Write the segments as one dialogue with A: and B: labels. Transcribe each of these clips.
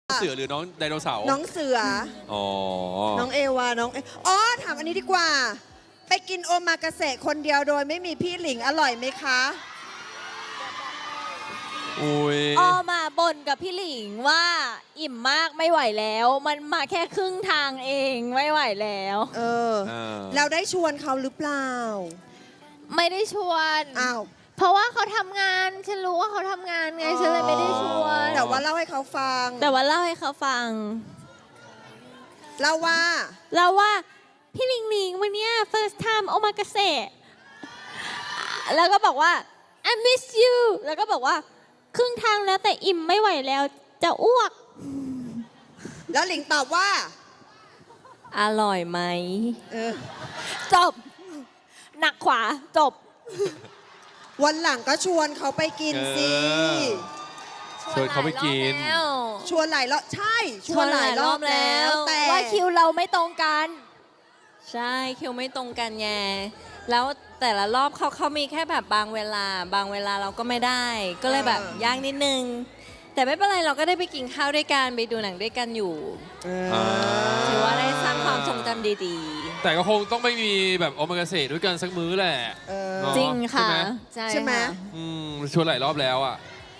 A: เสือหรือน้องไดโนเสาร์
B: น้องเสือ
A: อ๋อ
B: น้องเอวาน้องอ๋อถามอันนี้ดีกว่า ไปกินโอมากาเสะคนเดียวโดยไม่มีพี่หลิงอร่อยไหมคะ
A: อุ้ย
C: ออมาบ่นกับพี่หลิงว่าอิ่มมากไม่ไหวแล้ว มันมาแค่ครึ่งทางเองไม่ไหวแล้ว
B: เราได้ชวนเขาหรือเปล่า
C: ไม่ได้ชวน
B: อ้าว
C: เพราะว่าเขาทำงานฉันรู้ว่าเขาทำงานไงฉันเลยไม่ได้ชวน
B: แต่ว่าเล่าให้เขาฟัง
C: แต่ว่าเล่าให้เขาฟัง
B: เล่าว่า
C: เราว่าพี่หลิงหลิงวันเนี้ย first time โอมากาเสะแล้วก็บอกว่า I miss you แล้วก็บอกว่าครึ่งทางแล้วแต่อิ่มไม่ไหวแล้วจะอ้วก
B: แล้วหลิงตอบว่า
C: อร่อยไหม
B: เออ
C: จบ หนักขวาจบ
B: วันหลังก็ชวนเขาไปกินสิ
A: ชวนเขาไปกิน
B: ชวนหลายรอบใช่ ชวนหลายรอบแล้ว แต่
C: ว่าคิวเราไม่ตรงกัน
D: ใช่คิวไม่ตรงกันไงแล้วแต่ละรอบเขามีแค่แบบบางเวลาเราก็ไม่ได้ ก็เลยแบบยากนิดนึง แต่ไม่เป็นไรเราก็ได้ไปกินข้าวด้วยกันไปดูหนังด้วยกันอยู่ ถือว่าได้สร้างความทรงจำดี
A: แต่ก็คงต้องไม่มีแบบโอมากาเสะด้วยกันสักมื้อแหละ
B: เออ
A: เนอะ
C: จริงค่ะ
B: ใช่ไหม
C: ค่ะ
A: ชวนหลายรอบแล้วอ่ะ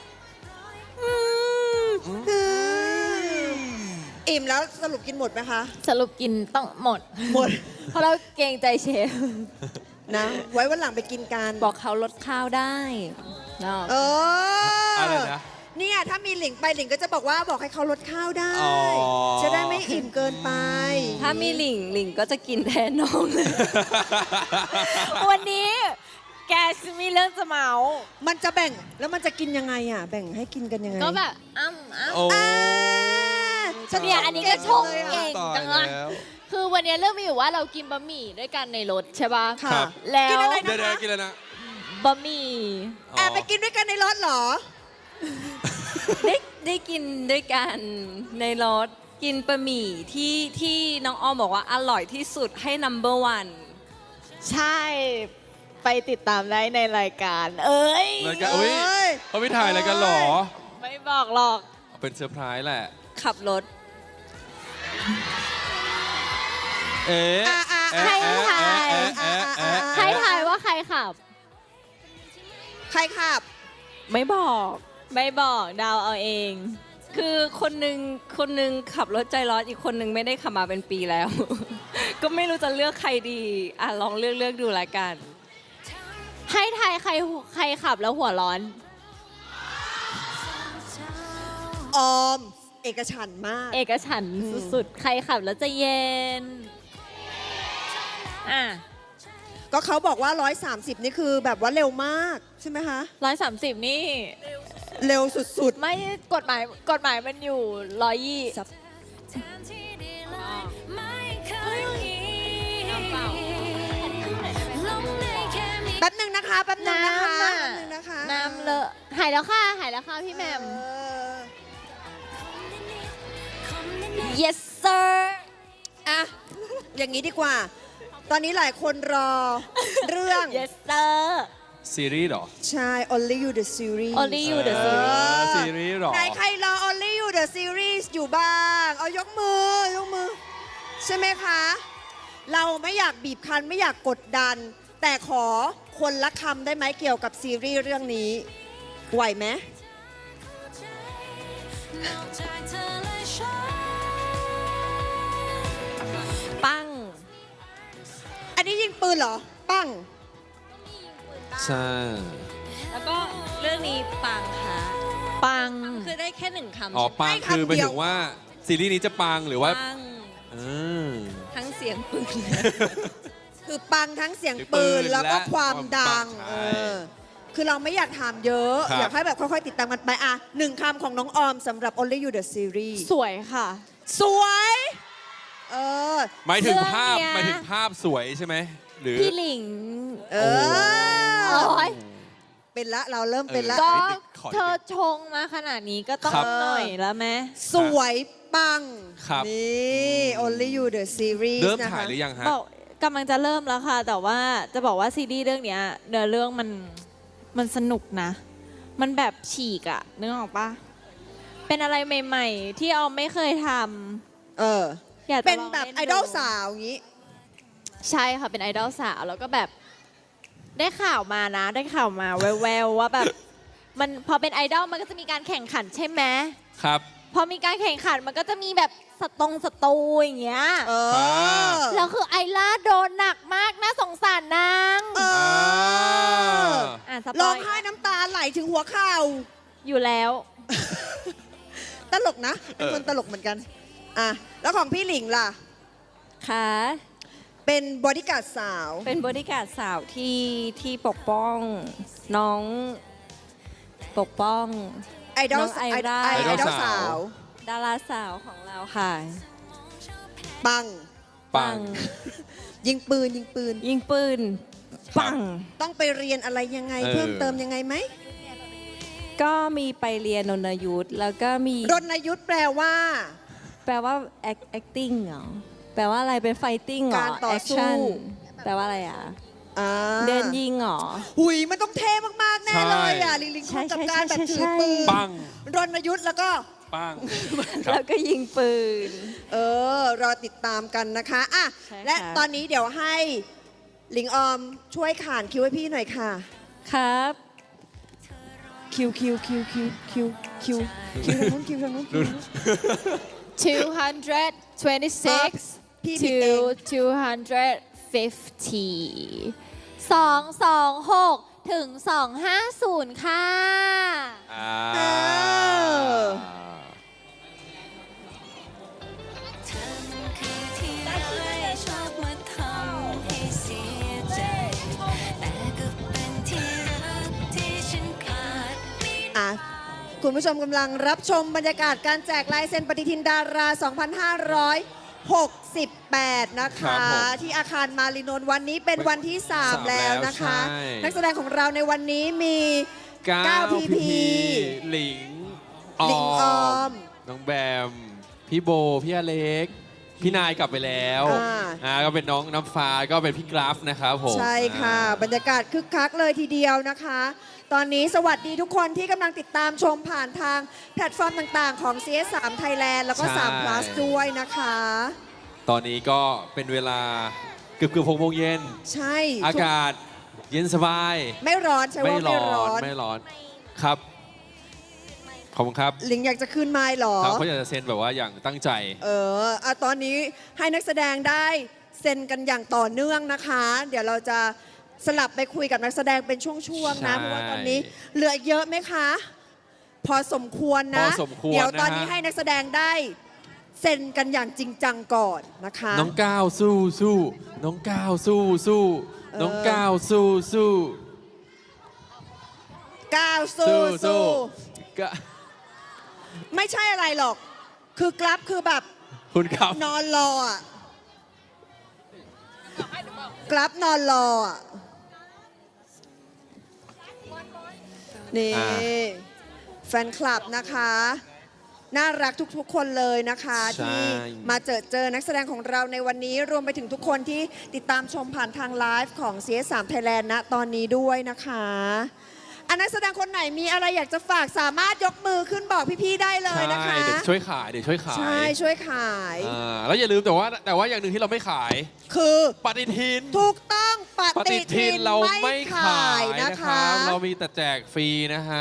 B: อิ่มแล้วสรุปกินหมดไหมคะ
C: สรุปกินต้องหมด
B: หมด
C: เพราะเราเกรงใจเชฟ
B: นะ ไว้วันหลังไปกินกัน
D: ๆ บอกเขาลดข้าวได้เนาะ
B: เออ
A: อะไรนะ
B: เนี่ยถ้ามีหลิงไปหลิงก็จะบอกว่าบอกให้เขาลดข้าวได้
A: อ๋อ
B: จะได้ไม่อิ่มเกินไป
D: ถ้ามีหลิงก็จะกินแทนน้องเลย
C: วันนี้แกมีเรื่องจะเมา
B: มันจะแบ่งแล้วมันจะกินยังไงอ่ะ แบ่งให้กินกันยังไง
C: ก็แบบอ้ำ
A: โอ้
B: ฉัน
C: เนี่ยอันนี้ก็ชงเก่ง
A: ตาย
C: จังเลย
A: แล้ว
C: คือวันนี้เรื่องมีอยู่ว่าเรากินบะหมี่ด้วยกันในรถใช่ป่ะ
B: ค่ะ
A: ครับ
C: แล้ว
B: กินอะไร
A: เดี๋ยว
B: นะคะ
A: ๆกินแล้วนะ
C: บะหมี่
A: อ๋อ
B: แอบไปกินด้วยกันในรถเหรอ
D: ได้กินด้วยกันในรถกินบะหมี่ที่น้องออมบอกว่าอร่อยที่สุดให้ number one
C: ใช่ไปติดตามได้ในรายการ เอ้ย
A: รายการอุ้ย
B: เอ้ย
A: เขาไม่ถ่ายอะไรกันเหรอ
C: ไม่บอกหรอก
A: เป็นเซอร์ไพรส์แหละ
D: ขับรถ
A: เอ๊ะ
C: ให้ถ่าย ให้ถ่ายว่าใครขับ
B: ใครขับ
C: ไม่บอกเดาวเอาเอง
D: คือคนหนึ่งขับรถใจร้อนอีกคนหนึ่งไม่ได้ขับมาเป็นปีแล้ว ก็ไม่รู้จะเลือกใครดีอ่ะลองเลือกดูละกัน
C: ให้ถ่ายใครขับแล้วหัวร้อน
B: ออม เอกฉันท์มาก
C: เอกฉันท์สุดๆ ใครขับแล้วจะเย็น อ่ะ
B: ก็เขาบอกว่า 130 นี่คือแบบว่าเร็วมาก ใช่ไหมคะ
C: 130 นี่
B: เร็วสุด
C: ไม่กฎหมายมันอยู่120
B: ๆ แป๊บหนึ่งนะคะ แป๊บหนึ่งนะคะ
C: น้ำน่ะ
B: แป๊บหนึ่งนะคะ
C: น้ำเลอะหายแล้วค่ะพี่แหม่ม
B: เออ
C: yes sir
B: อ่ะ อย่างนี้ดีกว่า ตอนนี้หลายคนรอ เรื่อง
C: yes sir
A: ซีรีส์เหรอ
B: ใช่ Only You the Series
C: Only You the Series
A: ซีรีส์เหรอ
B: ไหนใครรอ Only You the Series อยู่บ้าง เอายกมือ ใช่ไหมคะ เราไม่อยากบีบคั้นไม่อยากกดดัน แต่ขอคนละคำได้ไหมเกี่ยวกับซีรีส์เรื่องนี้ ไหวไหม
D: ปั้ง
B: อันนี้ยิงปืนเหรอ ปั้ง
A: ใช่
D: แล้วก็เรื่องนี้ปังค่ะ
C: ปัง
D: คือได้แค่หนึ่งคำ
A: อ๋อปัง
B: ให้คำ
A: คือหมาย
B: เดียว
A: ถึงว่าซีรีส์นี้จะปังหรือว่า
D: ปัง
A: อืม
D: ทั้งเสียงปืน
B: คือปังทั้งเสียง
A: เสียงปื
B: ปื
A: น
B: นแล้วก็
A: และ
B: ความดัง
A: ความปังใช่
B: คือเราไม่อยากถามเยอะ
A: ครับ
B: อยากให้แบบค่อยๆ ติดตามกันไปอ่ะหนึ่งคำของน้องออมสำหรับ Only You the Series
C: สวยค่ะ
B: สวย
A: หมายถึงภาพ
C: เรื่องเนี้ย
A: หมายถึงภาพสวยใช่ไหมหรือ
C: พี่หลิง
B: เอ
C: โอ้
B: อย เป็นละเราเริ่มเป็นละ
C: ก็
A: ขอนิดนึง
C: เธอชงมาขนาดนี้ก็ต้อง
A: ครับ
C: หน่อยแล้วไหม
B: สวยปัง
A: ครับ
B: นี่ Only You the Series
A: เริ่ม
B: นะคะ
A: ถ่ายหรือยังฮะ
C: บอกกำลังจะเริ่มแล้วค่ะ แต่ว่าจะบอกว่าซีรีส์เรื่องเนี้ยเนื้อเรื่องมันสนุกนะ มันแบบฉีกอะนึกออกปะเป็นอะไรใหม่ ๆ ที่ออมไม่เคยท
B: เออ
C: ำอยากจะ
B: เป็น
C: ลง
B: แบบ
C: ล่
B: ไอดอล
C: ดู
B: สาวอย่างนี้
C: ใช่ค่ะ เป็นไอดอลสาวแล้วก็แบบได้ข่าวมานะ ได้ข่าวมาแววๆว่าแบบมันพอเป็นไอดอลมันก็จะมีการแข่งขันใช่ไหม
A: ครับ
C: พอมีการแข่งขันมันก็จะมีแบบสตูอย่างเงี้ย
B: เออ
C: แล้วคือไอล่าโดนหนักมากน่าสงสารนาง
B: เออ
C: อ่ะสป
B: ร้อ
C: อง ย
B: ไห้น้ำตาไหลถึงหัวเข่า
C: อยู่แล้ว
B: ตลกนะ เป็นคนตลกเหมือนกัน อ่ะ แล้วของพี่หลิงล่ะ
D: ค่ะ
B: เป็นบอดี้การ์ดสาว
D: เป็นบริการดสาวที่ปกป้องน้องปกป้อง
B: ไอดอล
D: น้องไอร่า
B: ไอดอลสาว
D: ดาราสาวของเราค่ะ
B: ปัง
A: ปัง
B: ยิงปืนยิงปืน
D: ยิงปืน ปัง
B: ต้องไปเรียนอะไรยังไง
A: เออ
B: เพิ่มเติมยังไงไหม
D: ก็มีไปเรียนนนยุทธแล้วก็มี
B: รณยุทธแปลว่า
D: แปลว่า acting เหรอ แปลว่าอะไรเป็น fighting เหรอ
B: การต่อสู้
D: action แปลว่าอะไรอ่ะ
B: อ่า
D: เดินยิงเหรอ
B: หุยมันต้องเท่มากๆแน่เลยอ่ะ ลิงลิง
D: ใช่
B: คงกับการแบบ
D: ใช่
B: ถือ
D: ใช่
B: ปืน
A: ปัง
B: รณยุทธแล้วก็
A: ปัง ครับ
D: แล้วก็ยิงปืน
B: รอติดตามกันนะคะอ่ะ
D: ใช่ค่ะ
B: และตอนนี้เดี๋ยวให้หลิงออมช่วยขานคิวให้พี่หน่อยค่ะ
D: ครับ คิวทางนู้นคิวทางนู้นคิวทางนู้น
C: 226
B: พี่ผิดเอง
C: to 250 226 ถึง 250 ค่ะ
A: อ่า
B: เออ
E: เธอมันคือที่ร้ายชอบมาทำให้เสียใจ แต่ก็เป็นที่รักที่ฉันขาดไม่ได้
B: อ่ะคุณผู้ชมกำลังรับชมบรรยากาศการแจกลายเซ็นปฏิทินดารา 2568 นะ
A: ครั
B: คะ
A: บผม
B: ที่อาคารมารินนท์วันนี้เป็นวันที่ 3 แล้วนะคะ
A: ใช่
B: นักแสดงของเราในวันนี้มี
A: 9
B: พีพี
A: หลิง
B: หลิงออม
A: น้องแบม พี่โบ พี่อเล็ก พี่นายกลับไปแล้ว ก็เป็นน้องน้ำฟ้าก็เป็นพี่กราฟนะครับผม
B: ใช่ค่ะ บรรยากาศคึกคักเลยทีเดียวนะคะ ตอนนี้สวัสดีทุกคนที่กำลังติดตามชมผ่านทางแพลตฟอร์มต่างๆ ของ CS3 Thailand แล้วก็
A: ใช่
B: 3 plus ด้วยนะคะ
A: ตอนนี้ก็เป็นเวลาเกือบ6 โมงเย็น
B: ใช่
A: อากาศเย็นสบาย
B: ไม่ร้อนใช่ว่าไม่ร้อน
A: ไม่ร้อนครับ ขอบคุณครับ
B: ลิงอยากจะขึ้นไม้หรอ
A: ครับเขาอยากจะเซ็นแบบว่าอย่างตั้งใจ
B: ตอนนี้ให้นักแสดงได้เซ็นกันอย่างต่อเนื่องนะคะ เดี๋ยวเราจะสลับไปคุยกับนักแสดงเป็นช่วงๆนะ
A: ใช่
B: เพราะว่าตอนนี้เหลือเยอะไหมคะ พอสมควรนะ
A: พอสมควร
B: เดี๋ยวตอน
A: นะฮะ
B: นี้ให้นักแสดงได้เซ็นกันอย่างจริงจังก่อนนะคะ
A: น้องก้าวสู้สู้น้องก้าวสู้สู้น้องก้าวสู้สู้
B: ก้าวสู้สู้
A: ก็
B: ไม่ใช่อะไรหรอก คือกราฟคือแบบ
A: คุณครับ
B: นอนรออะกราฟนอนรออะนี่
A: อ่า
B: แฟนคลับนะคะ น่ารักทุกๆ คนเลยนะคะ
A: ใช่
B: ที่มาเจอนักแสดงของเราในวันนี้รวมไปถึงทุกคนที่ติดตามชมผ่านทางไลฟ์ของ CS3 Thailand ณตอนนี้ด้วยนะคะนักแสดงคนไหนมีอะไรอยากจะฝากสามารถยกมือขึ้นบอกพี่ๆได้เลยนะคะ
A: ใช่เดี๋ยวช่วยขายเดี๋ยวช่วยขาย
B: ใช่ช่วยขาย
A: แล้วอย่าลืมแต่ว่าอย่างหนึ่งที่เราไม่ขาย
B: คือ
A: ปฏิทิน
B: ถูกต้องป
A: ปฏิ
B: ฏิ
A: ทิ
B: ทิ
A: น
B: น
A: เรา
B: ไม่
A: ไม่
B: ขา
A: ขาย ย
B: นะ
A: นะคะ ครับเรามีแต่แจกฟรีนะฮะ